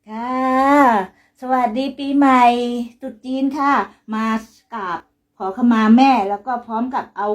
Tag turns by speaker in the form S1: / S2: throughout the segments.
S1: ค่ะสวัสดีปีใหม่ตรุษจีนค่ะมากราบขอขมาแม่แล้วก็พร้อมกับเอา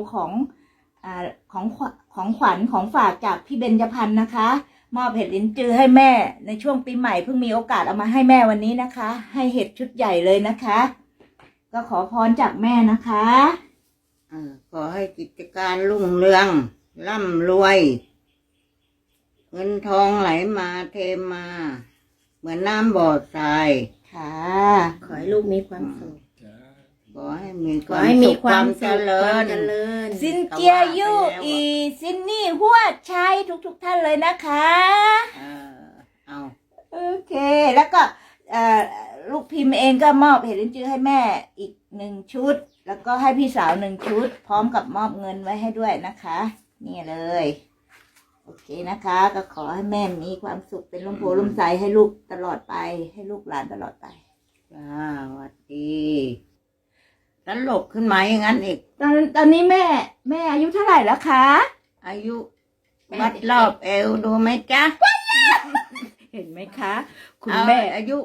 S1: ของขวัญของฝากจากพี่เบญจพรรณนะคะมอบเห็ดลิ้นจือให้แม่ในช่วงปีใหม่เพิ่งมีโอกาสเอามาให้แม่วันนี้นะคะให้เห็ดชุดใหญ่เลยนะคะก็ขอพรจากแม่นะคะ
S2: ขอให้กิจการรุ่งเรืองร่ำรวยเงินทองไหลมาเทมาเหมือนน้ำบ่อทราย
S1: ค่ะ
S3: ขอให้ลูกมีความสุข
S2: ขอให้มีค
S3: ขอ
S2: วาม
S3: ให้มี
S2: สุข
S3: ความ
S2: เจริญ
S3: เจริญ
S1: ซินเจียยู่อีซินนี่หัวชัยทุกท่านเลยนะคะ
S2: เอา
S1: โอเคแล้วก็ลูกพิมพ์เองก็มอบเห็ดลิ้นจือให้แม่อีก1 ชุดแล้วก็ให้พี่สาว1 ชุดพร้อมกับมอบเงินไว้ให้ด้วยนะคะนี่เลยโอเคนะคะก็ขอให้แม่มีความสุขเป็นลมโพลมใสให้ลูกตลอดไปให้ลูกหลานตลอดไป
S2: จ้าสวัสดีตลกขึ้นมาอย่างนั้นอีก
S1: ตอนนี้แม่อายุเท่าไหร่แล้วคะ
S2: อายุวัดรอบเอวดูไหมจ๊ะ
S1: เห็นไหมคะคุณแม่
S2: อายุ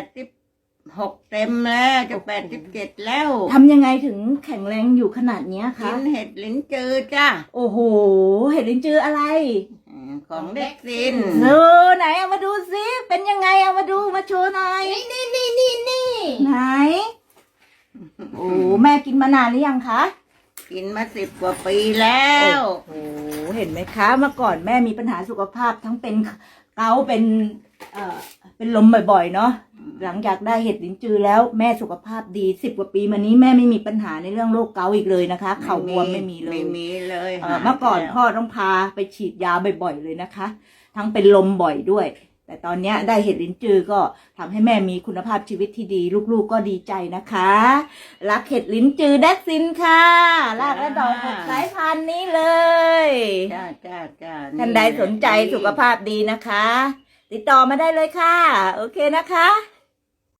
S2: 86เต็มแล้วจะ87แล้ว
S1: ทำยังไงถึงแข็งแรงอยู่ขนาดนี้คะ
S2: กินเห็ดลิ้นจือจ้า
S1: โอ้โหเห็ดลิ้นจืออะไร
S2: ของเด็กซิน
S1: ไหนเอามาดูซิเป็นยังไงเอามาดูมาโชว์หน่อยนี่ไหนโอ้แม่กินมานานหรือยังคะ
S2: กินมา10 กว่าปีแล้ว
S1: โอ้เห็นไหมคะเมื่อก่อนแม่มีปัญหาสุขภาพทั้งเป็นเกาต์เป็นลมบ่อยๆเนาะหลังจากได้เห็ดลิ้นจือแล้วแม่สุขภาพดี10 กว่าปีมานี้แม่ไม่มีปัญหาในเรื่องโรคเกาต์อีกเลยนะคะเข่าบวมไม่มี
S2: เลย
S1: เมื่อก่อนพ่อต้องพาไปฉีดยาบ่อยๆเลยนะคะทั้งเป็นลมบ่อยด้วยแต่ตอนนี้ได้เห็ดลิ้นจือก็ทำให้แม่มีคุณภาพชีวิตที่ดีลูกๆก็ดีใจนะคะรักเห็ดลิ้นจือแดกซินค่ะรากและดอก6 สายพันธุ์นี้เลย
S2: จ้า
S1: ท่านใดสนใจสุขภาพดีนะคะติดต่อมาได้เลยค่ะโอเคนะคะ